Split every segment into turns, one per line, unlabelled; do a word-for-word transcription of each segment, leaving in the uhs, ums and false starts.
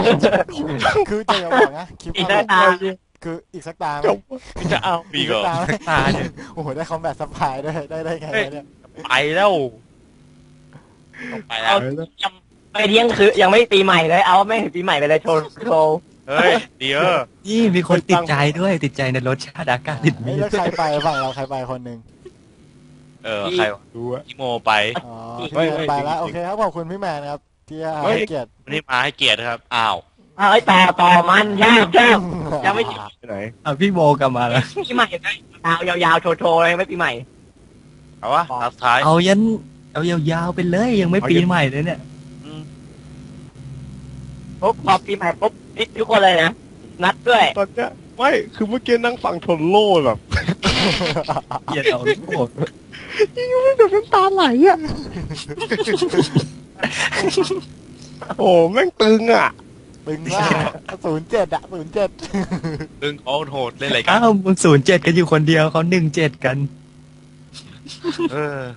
คือจะอย่าบอกนะคลิป
อีก
เอา
ตา
คืออีกสักตาไหม
จบจะเอา
มี
อีก
ก็
สักตาไหม
ตาเนี่ย
โอ้โหได้คอมแบทสปายด้วยได้ได้ไงวะเนี่ย
ไปแล้วต้องไปแล้ว
ยังไม่เที่ยงคือยังไม่ปีใหม่เลยเอาไม่ถึงปีใหม่ไปเลยโชว์โชว์
เฮ้ยเดี๋ยว
นี่มีคนติดใจด้วยติดใจในรสชาติอากาศติด
เฮ้
มี
ยแล้วใครไปฝั่งเราใครไปคนหนึ่ง
เออใคร
ดูอะ
พี่โมไป
อ๋อ
ไม่
พี่แมน
ไม่
ไปแล้ว
จริงๆ
โอเคครับขอบคุณพี่แมนนะครับที่ให้
ไม่
เกียรติ
วันนี้มาให้เกียรติครับอ้าว
เอ้ยต่อต่อมันยากยากยังไม่
ไปไหน
เอาพี่โมกลับมาแล้ว
ปีใหม่เลยยาวยาวๆโชว์โชว์เลยไม่ปีใหม่
เอาวะตาสุดท้าย
เอายันเอายาวๆไปเลยยังไม่ปีใหม่เลยเนี่ย
อืม
ปุ๊บพอปีใหม่ปุ๊บนี่ทุกคนเลยนะนัดด้วย
ตอนเนี้ยไม่คือเมื่อกี้นั่งฟังทนโล่แบบ
เกียดเอาโอ้
ยิ่งไม่แบบน้ำตาไหลอ่ะ โอ้แม่งตึงอ่ะ
ตึงมากศูนย์เจ็ดอะศูนย์เจ็ด
ดึงเอาโหดเล่นอะไรกัน
อ้าวมึงศูนย์เจ็ดกันอยู่คนเดียวเขาหนึ่งเจ็ดกัน
เออ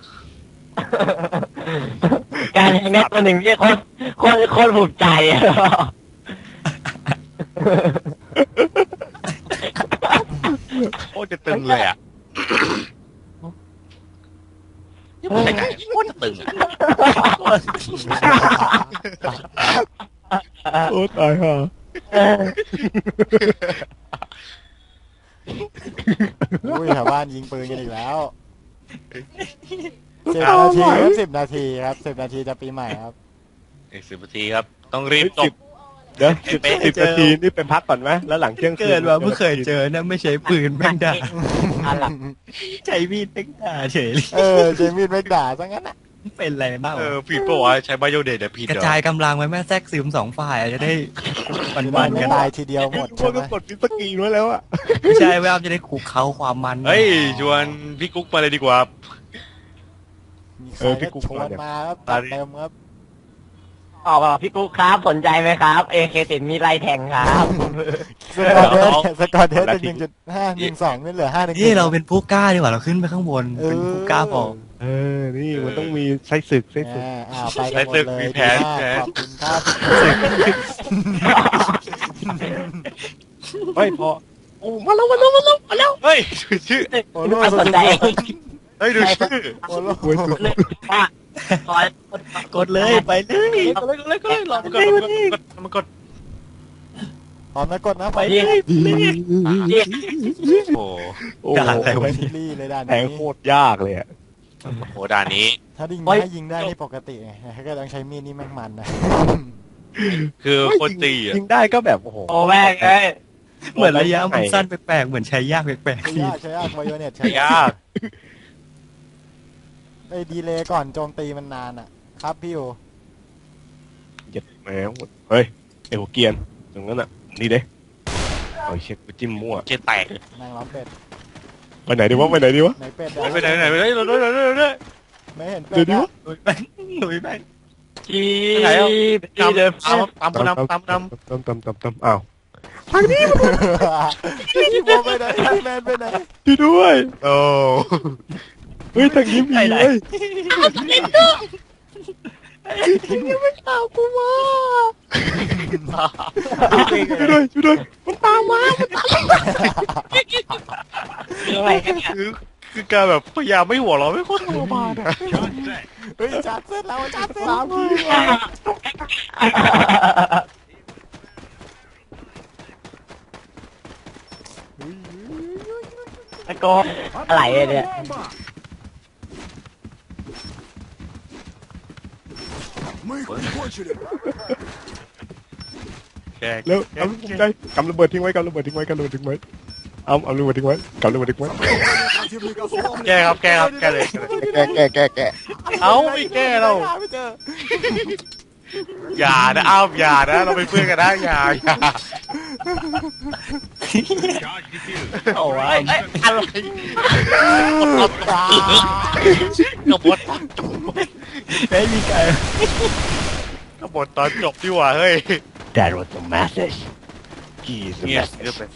การแข่งขันตัวหนึ่งที่คนคนคนภูมิใจอะ
โคตรจะตึงเลยอ่ะยังไม่ไงโคตรจะตึงอ่ะ
โอ้ตายห่า
อุ้ยแถวบ้านยิงปืนกันอีกแล้วสิบนาทีครับสิบนาทีครับสิบนาทีจะปีใหม่ครับ
อีกสิบนาทีครับ ต้องรีบจ
สิ
บบ
เดี๋ยวสิบสิบนาทีนี่เป็นพักก่อนไหมแล้วหลังเที่ยงคืน
เกิดว่าเพิ่งเคยเจอนะไม่ใช้ปืนแม่งด่า
อันหลัง
ใช้มีดแม่งด่าเฉยเลย
เออเจมี่ไม่ด่าซะงั้นอะ
เป็นอะไรบ้าง
เออผิดปะวะใช้ไบโอเดทเดี๋ยวผิด
กระ
เหรอ
จายกำลังไว้แม่แทรกซึมสองฝ่ายจะได้วัน
จะ
วั
ได้
นๆ
ไม่
กัน
ตายทีเดียวหมด
พว
ใช่
ก
ไหม
ก็กดพิสกีนไว้แล้วอ่ะ
ไม่ใช่แววจะได้ขู่เขาความมัน
เฮ้ยชวนพี่กุ๊กมาเลยดีกว่า
มีใครก็ชวนมาครับจัดเต็มครับ
ออกมาพี่กุ๊กครับสนใจไหมครับเอเคติดมีไรแทงครับ
สกอร์เดสสกอร์เดสเป็นหนึ่งจุดห้าหนึ่งสองนี่เหลือห้าหนึ่ง
นี่เราเป็นผู้กล้าดีกว่าเราขึ้นไปข้างบนเป็นผู้กล้าพอ
เออนี่มันต้องมีไส้ศึกไส้ศึก
อ่าไปกันหมดเลยดีมากขอบคุณครับ
ไม่พอโอ้มาแล้วมาแล้วมาแล้วมาแล้ว
เฮ้ยชื่อ
โอ้โห
ไม่สนใจ
เฮ้ยดูชื่อ
โอ้โห
โอ้ยสุด
เรื่องว่าคอย
กดเลยไปเลย
ก็เลยก็เลยก็เลยลองมันก่อนลองมันก่อน
พร้อมนะกดนะไป
ยิงยิง
โอ้
โอ้
ด่าอะไรวะ
ซีรีส์เลยด้าน
แทง
นี้
โคตรยากเลยอ่ะ
โหด่านนี้
ถ้ายิงถ้ายิงได้นี่ปกติไงถ้าก็ต้องใช้มีดนี่แม่งมันนะ
คือโคตรตีอ่ะ
ยิงได้ก็แบบโอ้โห
โอ้แม่งเอ้ย
เหมือนระยะมันสั้นแปลกๆเหมือนใช้ยากแปลก
ใช้
ๆ
ยากใช้ยากไวโอเน็ตใช้
ยาก
ไอ้ดีเลย์ก่อนโจมตีมันนานอ่ะ ครับพี่อยู่
เจ็ดแหมเฮ้ยไอ้หัวเกียนตรงนั้นอ่ะนี่เด้เอาเช็คไปจิ้มมั่ว
เจแตก
นางล้อมเป็ด
ไปไหนดีวะไปไหนดีวะ
ไหนเป็ด
ไปไหนไหนไปไหนเราด้วยเราด้วยเราด้วย
ไม่เห็นเป็
เดี๋ย
ด
วดี
นะ
วะ
หนุ่ยแป้งหนุ่ยแป้ง
จี
ไหนอ่ะ
จีเดิม
ตามตามนำตามนำ
ตามตามตามตามอ้าว
พี่โบไปไหนพี่แมนไปไหน
ช่วยด้วย
โอ้
เฮ้ยทางนี้มีเว้ยยังไม่ตามกูมาช่วยด้วยช่วยด้วยมันตามมามันตาม
อะไรกันเนี่ย
คือคือการแบบพยายามไม่หัวเราะไม่โคตรทรมานอ่ะ
เฮ้ยจัดเสร็จแล้วจัดเสร็จ
ตามพี่
ตะโกนอะไรเนี่ย
แก
แล้วเอาลูกใจกำระเบิดทิ้งไว้กำระเบิดทิ้งไว้กำระเบิดทิ้งไว้เอาเอาระเบิดทิ้งไว้กำระเบิดทิ้งไว้
แกครับแกครับแกเลย
แกแกแกแก
เอาไม่แกเรา
ไม่เจอ
อย่านะอ้าวอย่านะเราเป็นเพื่อนกันนะอย่าอย่า
โอ้ย
เอ้ยอะไรกบฏ
ไม่มีใคร
กบฏตอนจบดีกว่าเฮ้ย
That was the message He's the
เงียบ
message
เงียบไป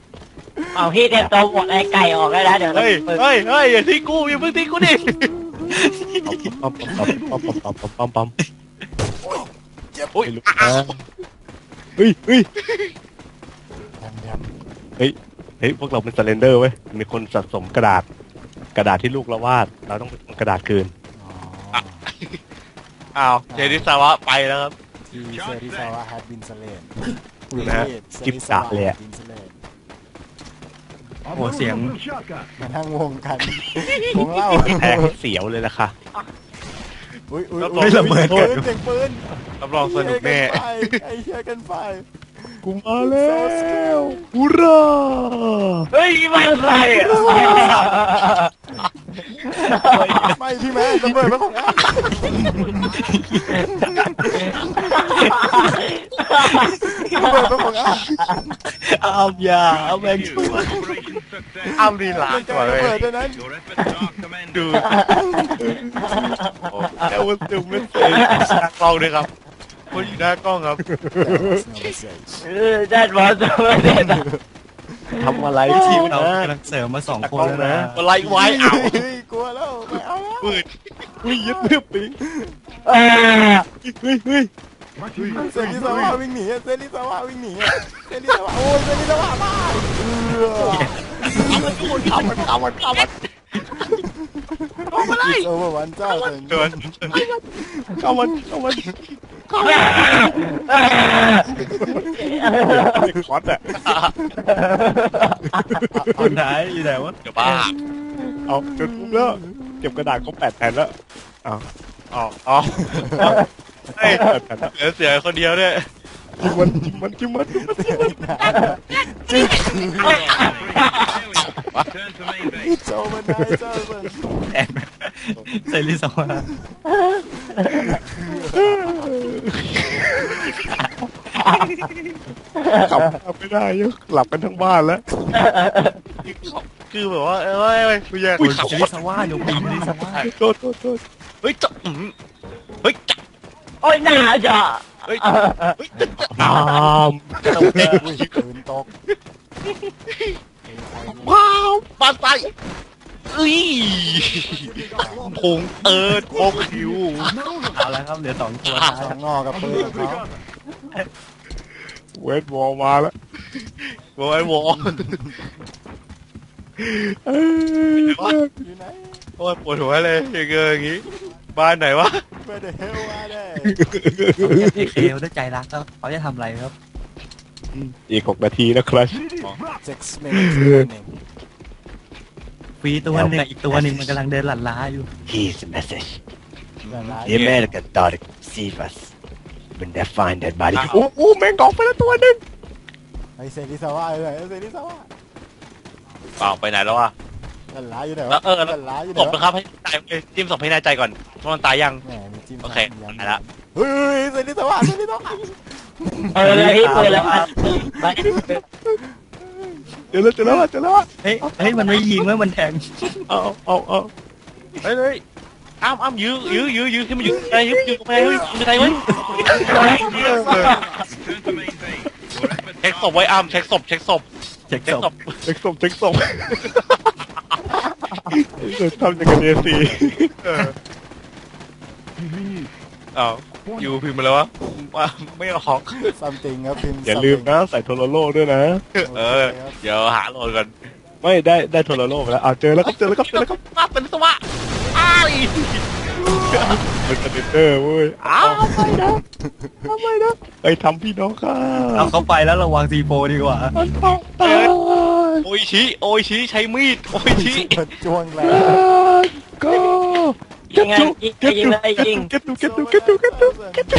เอาพี่เตรียมตัวหมดไอ้ไก่ออกได้แล้วเดี๋ยว
เฮ้ยเฮ้ยเฮ้ยอย่าทิ้งกูอย่าเพิ่งทิ้งกูดิ
ปั๊มปั๊มปั๊มปั๊มปั๊มปั๊มปั๊มปั๊ม
เจ็บ
ไม่รู้นะเฮ้ยเฮ้ย
แดมแดม
เฮ้ยพวกเราเป็นสเลนเดอร์เว้ยมีคนสะสมกระดาษ กระดาษที่ลูกเราวาดเราต้องเป็นกระดาษคืน
อ๋อ
อ้าวเจนิสาวะไปแล้วครับ
ที่เซริซาวะ had been slain
นะฮะจิ๊บจ๋าเลยอะ
had been slain
โอ้โหเสียง
มานั่งวงกันวงเล่า
แทงเสียวเลยล่ะค่ะ
อุ้ยอุ้ย
แล้ว
อุ้ย
ระเบิด
ปืนเสียงปืน
รับรองสนุกแน่
ไอ้เชี่ยกันไฟ
กูมาแล้วฮูรา
เฮ้ยมันอะไรอ่ะ
ไม่พี่แม่ระเบิดมาของอ้ำระเบิดมาของอ้ำ
เอาอย่าเอาแบงค์ช่วย
อ้ามลีลา
มันจะ
กว่าเล
ระ
ย
เบิดด้วยนั้น
ดู
แอลวันติไม่เซ
หน้ากล้องด้วยครับคนอยู่หน้ากล้องครับ
เออได้บอสมาเด็ด
ทำอะไร
ที
ที
ม
ม
เรา
นะ
กำลังเสริมมาสองคนแล้วนะ
อะไรไว้อ้าว
เฮ้ยกลัวแล้วไม่เอาแล้ว
ปืน
อุ้ยยึดเพื่อปิง
เออ
เฮ้ยเฮ้ย
เซริซาวะวิ่งหนีอะเซริซาวะวิ่งหนีอะเซริซาวะโอ้ยเซริซาวะบ้าเออ
เอามันเอามันเอามัน
It's over one เจ้าเถิง
เดิน
เข้ามันเข้ามันเด็กคอสอะ
คนไหนอยู่ไหนวะ
เดี๋ยวบ้า
เอาจนปุ๊บแล้วเก็บกระดาษครบแปดแผ่นแล้ว
อ๋ออ๋อเฮ้ย
แปดแผ่นแล้ว
เหลือเสียคนเดียวด้วย
จิ้มมันจิ้มมันจิ้มมันจิ้มมันจิ้มมัน
จิ๊ก It's over now It's over
แอนเซริสวา
ขับไม่ได้ยังหลับกันทั้งบ้านแล้ว
คือแบบว่าเอ้ยเอ้ยกูแยก
อุ้ย
ขับ
เซริสวาอยู่ปีเซริสวา
โทษโทษโทษ
เฮ้ยจะอืมเฮ้ยจะ
โอ้ยหนาจ้ะ
เฮ้ยเฮ้ยจะ
ตาม
อุ้ยปืนตก
ว้าวปาใส่เอ้ยพงเอิร์ดโคกคิว
เอาละครับเหลือสองตัว
ส
ท้าย
องงอกับปืนของเขา
เวทบอลมาแล้ว
โอ้ยวอ
เอ้ย
อยู่ไหน
โอ้ยปวดหัวเลยอย่างเงี้ยอย่างงี้บ้านไหนวะ
Where the hell are they
พี่เคลด้วยใจรักแล้วเขาจะทำอะไรครับ
อีกหกนาทีนะครับ
six minutes remaining
ฟรีตัวหนึ่งอีกตัวหนึ่งมันกำลังเดินหลั่นล้าอยู่
Here's a message.
ละลาย
The American thought it could save us. When they find that body,
โอ้โหแมงกอกไปแล้วตัวหนึ่ง
ไอเซริซาวะอยู่ไหนเซริซาวะ
เปล่าไปไหนแล้ววะ
ละลายอยู่ไหน
แล้ว
วะ
เออแล้ว
ละลายอยู่ไห
ศ
น
พนะ
วะ
ครับให้ตายเลยจิ้มศพให้แน่ใจก่อนว่ามันตายยัง
แหมมีจิ้ม
โอเค
ย้ำ
ไปละ
เฮ้ยเซริซาวะเซริซาวะ
เออเลยเปิดแล้วไป
เจอแล้วเจอแล้วเจอแล้ว
เฮ้ยเฮ้ยมันไม่ยิงแล้วมันแทง
เอาเอาเอา
เฮ้ยเฮ้ยอ้ามอ้ามยื้อยื้อยื้อยื้อขึ้นมายื้อไงยื้อยื้อไปเฮ้ยยื้อไปเฮ้ยเช็คศพไว้อ้ามเช็คศพเช็คศพ
เช็ค
เช็ค
ศ
ศ
พ
พ
เช็คศพเช็คศพเกิดทำอย่างกับเดซี
อ้าวยูพิมพ์มาแล้ววะไม่ออก
something ครับพิมพ์
อย่าลืมนะใส่โทรโลด้วยนะ
เออเดี๋ยวหาโหลดก่อน
ไม่ได้ได้โทรโลไปแล้วเอาเจอแล้วครับเจอแล้วครับเจอแล้วครับ
มาเป็นสวะอ้าย
เป็นสเตนเตอร์เว้ยอ้าวไม่นะทำไมนะไอ้ทำพี่น้องข้า
เอาเขาไปแล้วระวังซีโฟดีกว่า
มันต้องตาย
โอยชิโอยชิใช้มีดโอยชิ
มันจ้วงแรง
ก็
ยิงไงยิงยิงเลยยิง
เก็ตตูเก็ตตูเก็ตตูเก็ตตูเก็ตตู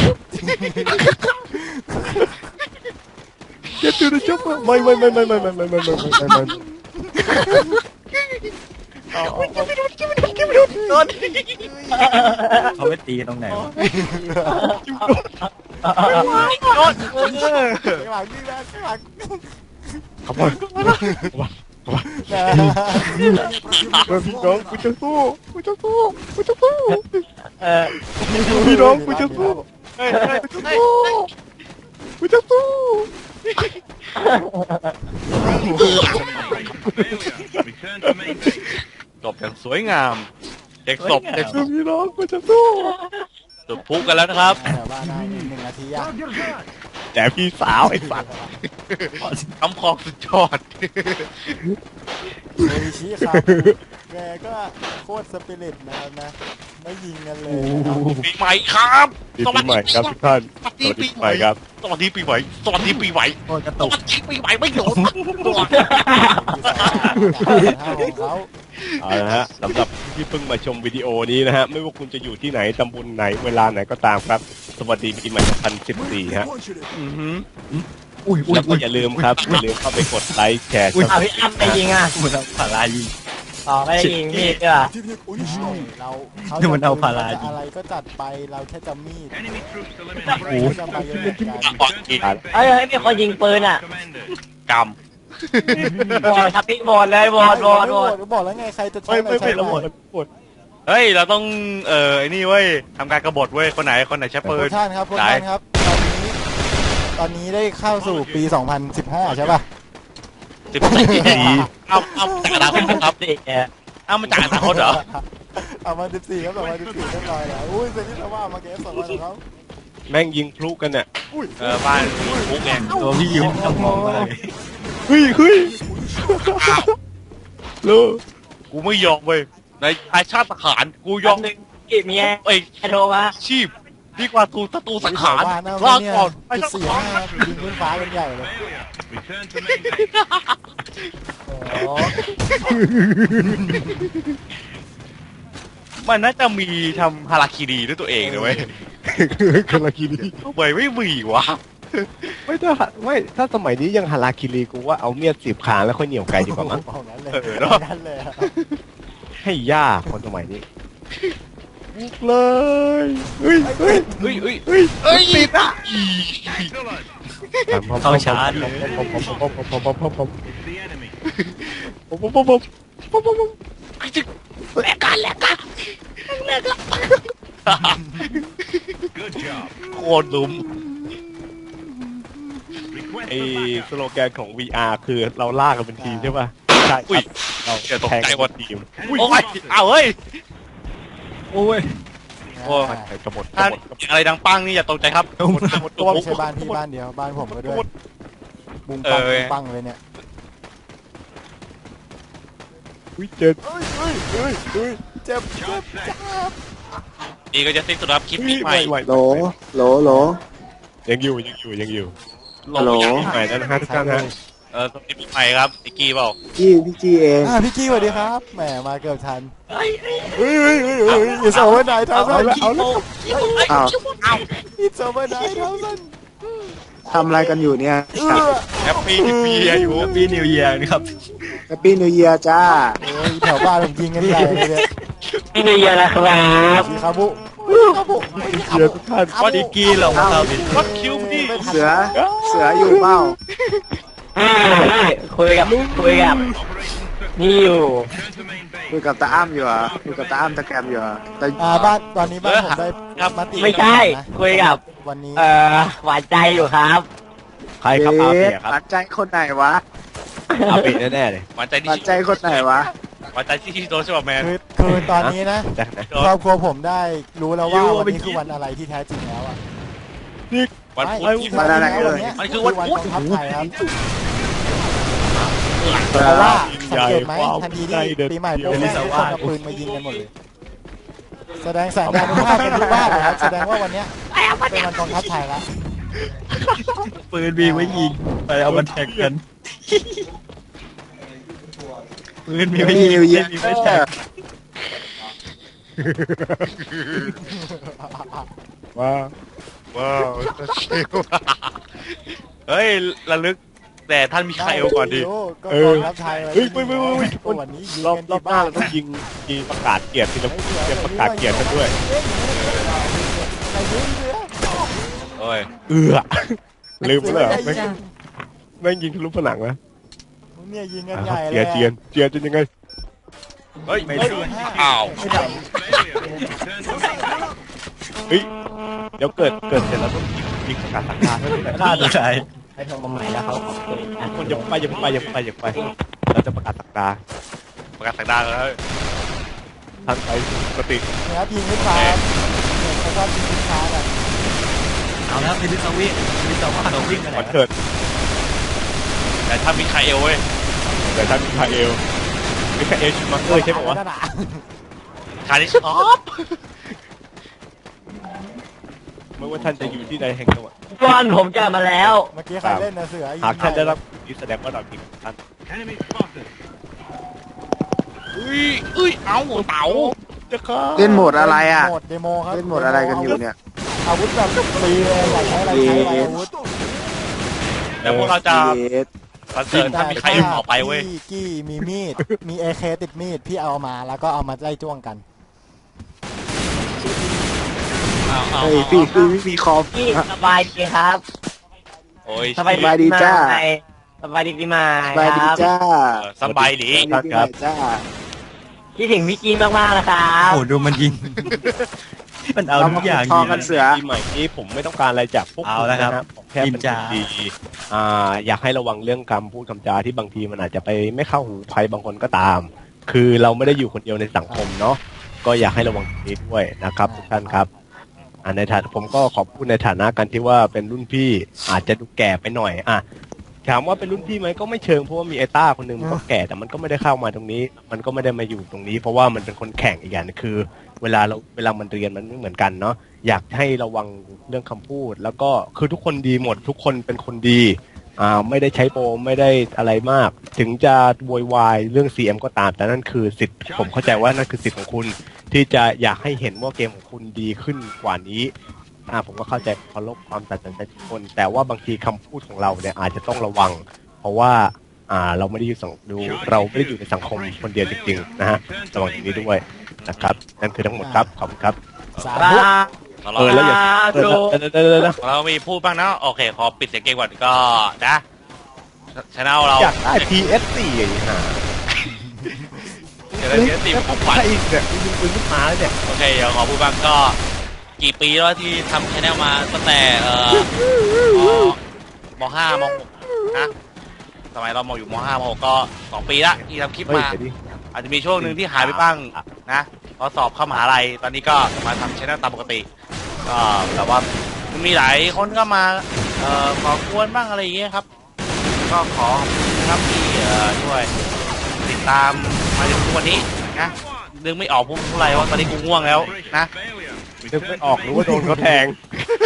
เก็ตตูนะจ๊ะไม่ไม่ไม่ไม่ไม่ไม่ไม่ไม่ไม่ไม่ไม่
เอาเอาเอา
โดน
เขาไปตีตรงไหนวะ
โดนเออ
ข้างหลังนี่นะข้างหลัง
ขบวนขบวน
นะ
พี่น้องกูจะสู้กูจะสู้กูจะสู้
เออ
พี่น้องกูจะสู้
เฮ้ยเฮ้ยเฮ้ย
กูจะสู้
จบอย่างสวยงามเด็กศพเด็กศพ
พี่น้องกูจะสู้
จุดพลุกันแล้วนะครับ
เดี๋ยวบ้านได้หนึ่งนาทีอะ
แต่พี่สาวไอ้สัตว์
คำคองสุดยอด
โออิชิครับแกก็โคตรสปิริตนะครับนะไม่ยิงกันเลยนะครับ
ปีใหม่ครับ
ปีใหม่ครับทุกท่าน
สวัส
ส
ดี
วัส
ปี
ดี
ให
ให
ม่
ม่ครับ
สวัสดีปีใหม่สวัสดีปีใหม่
โอ้ยกระ
ส
ตุก
วัสดีปีใหม่ไม่โดนตัว
ของเขา
เอาละฮะสำหรับที่เพิ่งมาชมวิดีโอนี้นะฮะไม่ว่าคุณจะอยู่ที่ไหนตำบลไหนเวลาไหนก็ตามครับสวัสดีปีใหม่สองพันสิบสี่ฮะ
อุ้ยอุ้ย
แล้วก็
อุ้ย
อย่าลืมครับอย่าลืมเข้าไปกดไลค์แชร์
เอาพี่อ้ำไปยิงอ่ะ
มันเอาพารายิง
อ๋อไม่ได้ยิงพี่ด้วย
เราเขา
นี่มันเอาพารา
จะอะไรก็จัดไปเราแค่จะมีด
โอ้โห
จะไปกันจัดการ
อ่อนอีก
เอ้ยเฮ้ยมีคนยิงปืนอ่ะ
กรรม
โหวตครับพี่โหวตเลยโหวตโหวตโหวต
บอกแล้วไงใครจะใช้
ไม่
อะไร
ไม่
ใช้
ไม่ระหม
ไป
ดหมด
เฮ้ยเราต้องเอ่อไอ้นี่เว้ยทำการกบฏเว้ยคนไหนคนไหนใช้ปื
พวน กท่านครับพวกท่านครับตอนนี้ตอนนี้ได้เข้าสู่ปี สองพันสิบห้า ใช่ป่ะ
สิบสี่เอาเอาจากอนาคตครับ
สิเอ่อ
เอามาจากอนาคตเหรอ
เอามาสิบสี่ครับสองพันสิบสี่เรียบร้อยแล้วอุ้ยเซนิสว่ามาเกมสองพันของเขา
แม่งยิงพลุกันเนี่ย
เออบ้านมีคุกไง
ตัวพี่ยิ้มต้องมองมาเลย
เฮ้ยเฮ้ยลูก
กูไม่ยอมเว้ยในอาชาติทหารกูย
ย
อ
อ
ม
มหนึ่งกี่เมีย
เอ้ย
โทรมา
ชีพดีกว่าถูกศัตรูสังหาร
บ้านนะ
ลา
เนี่ย
ก่อนไป
จุด
สัก
สี่
ครั้
ห้าง ยิงขึ้นฟ้ากันใหญ่เลย
โอ้
มันน่าจะมีทำฮาราคิรีด้วยตัวเองเลยเว้ย
คาราคิรี
ทำไมไม่มีวะ
ไม่ถ้าไม่ถ้าสมัยนี้ยังฮาราคิรีกูว่าเอาเมียดสีบขาแล้วค่อยเหนียวไกลดีกว่ามั้ง
เอางั้นเลย
เออเนอะ
งั้นเลยอะ
ให้ย่าคนสมัยนี้บุกเลยเฮ้ยเฮ้ย
เฮ้ยเฮ้ย
เฮ้ย
เฮ้ยติดอ่ะ
เข้าชาร์จเลย
ผมผมผมผมผมผมผมผมผมผมผมผมผมผม
แลกกันแลกกันแลกกันโคตรลุม
ไอสโลแกนของ วี อาร์ คือเราลากกันเป็นทีมใช่ป่ะใช่ครับเรา
อย่าตก
แข่ง
ใจ
กัน
หมด
เป็นทีม
โอ้ยเอาเฮ้ย
โอ้ย
โอ้ย
ใช่กระบฏก
ถ้า
ระบฏกระบฏ
อะไรดังปังนี่อย่าตกใจครับหมดหมดตัว
ไม่ใช่บ้านพี่บ้านเดียวบ้านผมก็ด้วยบุ้งปัง
เออ
บุ้งปังเลยเนี่ย
อุ้ยเจ็ด
เฮ้ยเฮ้ยเฮ้ยเฮ้ยเจ็บเจ็บเจ็บ
นี่ก็จะสิ้นสุดครับคลิป
อุ้ย
นี้
ไห
ให
ว
ม่
ไหว
โหลโหลโหล
ยังอยู่ยังอยู่ยังอยู่
ฮัลโหล
ใหม่แล้วนะฮะทุกท่านฮะ
เออคลิปใหม่ครับไอ้กี้เปล่า
พี่พี่จีเอง
อ่าพี่กี้สวัสดีครับแหมมาเกือบทันเฮ้ยเฮ้ยเฮ้ยเฮ้ยเฮ้ยอิสโอเวอร์ไนท์เท่านั้น
เอาละ
อ้าว
อิสโอเวอร์ไนท์เท่านั้น
ทำอะไรกันอยู่เนี่ย
เออ
แฮปปี้นิวเยียร์อยู่
ปีนิวเยียร์นะครับ
แฮปปี้นิวเยียร์จ้า
โอ้ยแถวบ้านผมยิงกันใหญ่เลยเนี่ย
พี่นิวเยียร์นะครับ
ชิคาบุคาบุ
เชียร์ทุกท่าน
ว่าดีกี้เรามาเข้าบิน
วัดคิวพี่
เสือ เสืออยู่เปล่า
อ่าได้คุยกับคุยกับนี่อยู่
คุยกับตาอ้ำอยู่เหรอ่ะคุยกับตาอ้ำตะแกรมอยู่เหรอ่ะแต่
อ่าบ้านตอนนี้บ้านผมได้มติ
ไม่ใช่คุยกับ
วันนี้
เอ่อหวานใจอยู่ครับ
ใครครับอา
เอ๊
เปี
ะ
ยครับ
หวานใจคนไหนวะ
อาเปียแน่ๆเลย
หวานใจ
ห
ที่
วานใจคนไหนวะ
หวานใจที่ที่โดนใช่ป่ะแมน
คือคือตอนนี้นะ
แจ็คนะ
ครอบครัวผมได้รู้แล้วว่าวันนี้คือวันอะไรที่แท้จริงแล้วอ่ะ
วันพุธ
ไม่
ที่
วันอะไรเอ่ย
มันคือวันพุธ
กองทัพไทยครับเพราะว่าสังเกตไหมทันทีที่ปีใหม่ปุ๊บแม่งทุกคนเอาปืนมายิงกันหมดเลยแสดงแสดงภาพกันทุกบ้านเลยครับแสดงว่าวันเนี้ยเป็นวันกองทัพไทยแล้ว
ปืนมีไว้ยิงไปเอามาแท็กกันปืนมีไว้
Happy
ยิง
New Year
มีไว้แท็ก
ว้า
ว้าวชิวเฮ้ยระลึกแต่ท่านมีใครเอาก่อนดี
ก็กองทัพไทย
เฮ้ยไม่ไม่ไม่ไม่
วันนี้ยิง
รอบ
กัน
รอบหน้าเราต้องยิงยิงประกาศเกียรติเราจะประกาศเกียรติกันด้วย
ใครยิงเรือ
โอ้ย
เอือลืมไปแล้วแม่งแม่งยิงทะลุผนังนะ
เนี่ยยิงกัน
อ่ะ
ใหญ่
เจียนเจียนเจียนจะยังไง
เฮ้ย
ไม่
เฮ้ย
ได้ห้า
อ้าว
ไม่ได้
เฮ้ยเดี๋ยวเกิดเกิดเสร็จแล้วต้องยิงยิงประกาศสังฆาให้ด้วย
ฆ่าตัวตาย
ให้โทรมาใหม่แล้วเขาขอบคุณนะ
คนอย่าไปอย่าไปอย่าไปอย่าไปเราจะประกาศสังฆา
ประกาศสักดาแล้ว
ย
ทางไปปกติ
นะครับยิงขึ้นฟ้าเนี่ยเขาชอบยิงขึ้นฟ้ากัน
เอาแล้วพิลิสวิ่งพิลิสว่าเราวิ่งกัน
ขวัญเถิด
แต่ถ้ามีคาเอลเว้ย
แต่ท่านมิคาเอลมิคาเอลชูมักเกอร์ใช่ไหมวะ
นั่นน่ะ
คาริชอป
ไม่ว่าท่านจะอยู่ที่ใดแห่งจังหวัด
บอลผมกลับมาแล้ว
เมื่อกี้ใครเล่นนะเสือยิง
หากท่านได้รับ
ใ
นี้แสดงว่าเราจริงท่าน
อุ้ยอุ้ยเอาเต๋า
จะฆ่า
เล่นโหมดอะไรอ่ะ
โหมดเดโมครับ
เล่นโหมดอะไรกันอยู่เนี่ย
อาวุธแบบฟรีเลยอยากใช้อะไรใช้อะไรอาวุธ
แล้วพวกเราจะ
เยส
คอนเสิร์ตถ้ามีใครต่อไปเว้ย
กี้กี้มีมีด มีเอเคติดมีด พี่เอามาแล้วก็เอามาไล่จ้วงกัน
เอาเอา
เฮ้ยพี่คือไม่มีคอม
พี่สบายดีครับ
โอ้ย
สบาย
สบายดีจ้า
สบายดีปีใหม่
สบายดี
ครับ
จ้า
สบายดี
สบายดีจ้า
คิดถึงพี่กีนมากๆนะครับ
โอ้ดูมันยิง มันเอาทุกอย่าง
ทอ
ยิง
กันเสือ
ปีใหม่นี้ผมไม่ต้องการอะไรจากพวก
เอา
คุณ
ละครับ
นะผมแค่เป็น
นินจา
คนดีอ่าอยากให้ระวังเรื่องคำพูดคำจาที่บางทีมันอาจจะไปไม่เข้าหูใครบางคนก็ตาม คือเราไม่ได้อยู่คนเดียวในสังคมเนาะก็อยากให้ระวังตรงนี้ด้วยนะครับทุกท่านครับอ่าในฐานะผมก็ขอพูดในฐานะกันที่ว่าเป็นรุ่นพี่อาจจะดูแก่ไปหน่อยอ่ะถามว่าเป็นรุ่นพี่ไหมก็ไม่เชิงเพราะว่ามีไอ้ต้าคนหนึ่งมันก็แก่แต่มันก็ไม่ได้เข้ามาตรงนี้ มันก็ไม่ได้มาอยู่ตรงนี้ เพราะว่ามันเป็นคนแข่งอีกอย่างนึงคือ เวลาเราเวลามันเรียนมันไม่เหมือนกันเนาะอยากให้ระวังเรื่องคำพูด แล้วก็คือทุกคนดีหมดทุกคนเป็นคนดีอ่าไม่ได้ใช้โปรไม่ได้อะไรมาก ถึงจะโวยวายเรื่อง ซี เอ็ม ก็ตาม แต่นั่นคือสิทธิ์ผมเข้าใจว่านั่นคือสิทธิ์ของคุณ ที่จะอยากให้เห็นว่าเกมของคุณดีขึ้นกว่านี้อ่าผมก็เข้าใจเคารพความตัดสินใจทุกคน แต่ว่าบางทีคำพูดของเราเนี่ยอาจจะต้องระวัง เพราะว่าอ่าเราไม่ได้อยู่สังดูเราไม่ได้อยู่ในสังคมคนเดียวจริงๆนะฮะระวังตรงนี้ด้วยนะครับนั่นคือทั้งหมดครับขอบคุณครับ
สา
บา
ธุ
เออแล้วอย่าเออเออเออเออนะ
เรามีพูดบ้างนะโอเคขอปิดเสียงเกมก่อนก็นะชแนลเรา
อยากได้ พี เอส สี่ ไอ้ห่า
เดี๋ยวเราเสียตีของขวัญ
ใช่อีกเนี่ยยิงปืนขึ้นมาแล้วเนี่ย
โอเคเดี๋ยวขอพูดบ้างก็กี่ปีแล้วที่ทำชแนลมาตั้งแต่เอ่อมห้ามหกนะสมัยเรามอยู่มห้ามหกก็สองปีละที่ทำคลิป
เฮ้ย
มา
เดี๋ยวดิ
อาจจะมีช่วงหนึ่งที่หายไปบ้างนะพอสอบเข้ามหาลัยตอนนี้ก็มาทำชแนลตามปกติก็แต่ว่ามันมีหลายคนก็มาเอ่อขอกวนบ้างอะไรอย่างเงี้ยครับ ก็ขอขอบคุณนะครับที่เอ่อช่วยติดตามมาถึงทุกวันนี้นะนึกไม่ออกพูดเท่าไหร่ว่าตอนนี้กูง่วงแล้วนะ
นึกไม่ออกหรือว่าโดนเขาแทง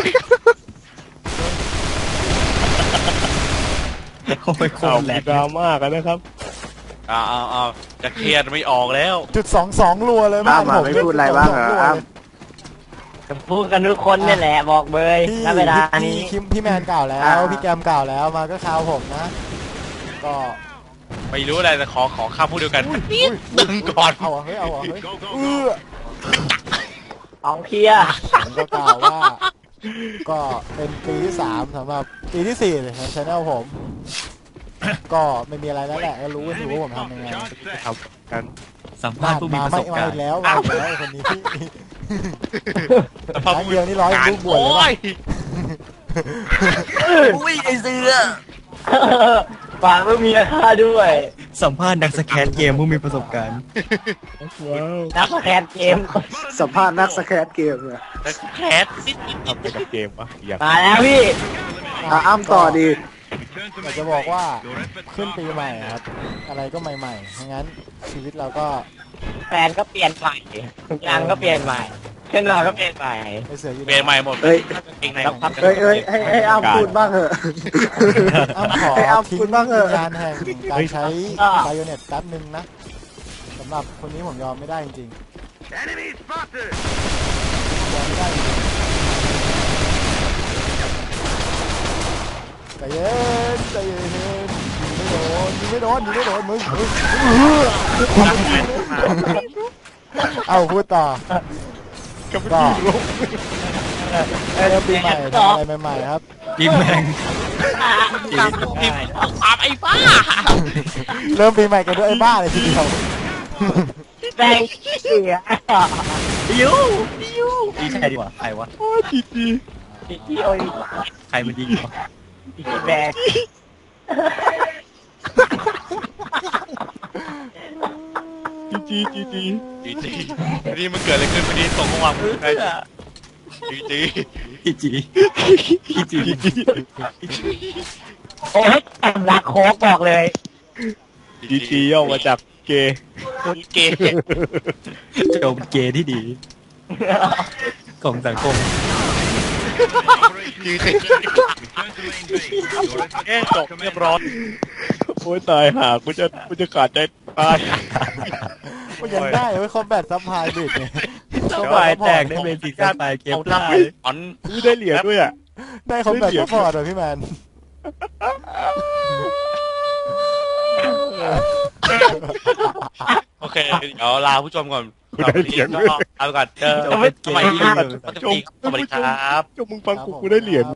โอ้ยโค
ข่าว
ตรแหล
มี
ก
ดราม่ากันนะครับ
อ้าวอ้าวอ้าวจะเครียดไม่ออกแล้ว
จุดสองสองรัวเลยบ้าน
อ้ำ
ผม
ไม่พูดอะไรบ้างเหรออ้ำ
พูดกันทุกคนนี่แหละบอกเบย
พี่
ณเวลา
พี่
นี้
คิมพี่แมนเก่าแล้ว
อ่า
พี่แกมเก่าแล้วมาก็คราวผมนะ ก็
ไม่รู้อะไรแต่ขอขอข้ามพูดเดียวกัน
อุ้ย
นิดหนึ่งก่อน
เอาอะเฮ้ยเอาอะเฮ้ยเออ
ของเคลียร์
ผมก็กล่าวว่า ก็เป็นปีที่สามสำหรับปีที่สี่เลยของช anel ผม ก็ไม่มีอะไรแล้วแหละก็รู้กันอยู่ว่าผมทำยังไง
ทำกัน
สัมภาษณ์ผู้มี
มา
ประ
ไม่
สบ
มา
การ
อี
ณ์
กแล้วมาอีกแล้วไอ้คนนี้พี่ครั้งเดียวนี่ร้อยลูกบวชเลย
โอ้
ป่ะ
ย
อุ้ยไอเสือ
ฝากไม่มีราคาด้วย
สัมภาษณ์นักสแกนเกมผู้มีประสบการณ์
นักแคสเกม
สัมภาษณ์นักสแครเกมเลย
แคสนิดนิดนิด
ทำไปกับเกมวะอยาก
มาแล้วพี่
อ่ะอ้ำต่อดี
อยากจะบอกว่าขึ้นปีใหม่ครับ อะไรก็ใหม่ๆงั้นชีวิตเราก็
แฟนก็เปลี่ยนใหม่ทุกอย่างก็เปลี่ยนใหม่เช่นเราก็เปลี่ยนใหม่
ไปเสืออยู่
เปลี่ยนใหม่หมด
เอ้ย
เองใน
แล้วครับ
เอ้ยเอ้ยให้ให้อ้ำพูดบ้างเหอะ
อ้ำขอ
ให้อ้ำ
ทิ้ง
พูดบ้างเหอะ
งานแห่งการใช้ไบโอเน็ตแป๊บนึงนะสำหรับคนนี้ผมยอมไม่ได้จริงๆยอมไม่ได้จริงๆใจเย็นใจเย็นยิงไม่โดนยิงไม่โดนยิงไม่โดนมึงมึงเอาพูดต่อก็เริ่มปีใหม่ทำอะไรใหม่ๆครับ
ปีแมง
ตามตามไอ้บ้า
เริ่มปีใหม่กันด้วยไอ้บ้าเลยทีเดียว
แฟนเสีย
ยูยูดีใช่ดีกว่าใครวะ
พี่โอ้ย
ใครมันยิงวะ
พี่แบก
จ
จีจีจี
จีจีวันนี้มันเกิดอะไรขึ้นวันนี้ส่งข้อความมาให้จีจี
อีจีอีจี
โอ้ยแอมรักโคกบอกเลย
จีจีย่อมาจากเกย์
เกย์
โจมเกย์ที่ดี ของสังคม
จีจีเอ๊ะจบเรียบร้อย
โอ้ยตายห่ากูจะกูจะขาดใจตาย
ก็ยังได้เว้ยคอมแบทซัพพลายบิดเนี่ย
สบายแตกได้เบสิกสบายเกม
เอา
ได้
ทำอัน
ไม่ได้เหรียญด้วยอ่ะ
ได้คอมแบทซัพพอร์ตเลยพี่แมน
โอเคเดี๋ยวลาผู้ชมก่อน
กูได้เหรียญด้วย
เอาไปก่อนเจอ
โจมเป็นเกย์ที่ดี
สวัสดีครับ
จงมึงฟังกูกูได้เหรียญ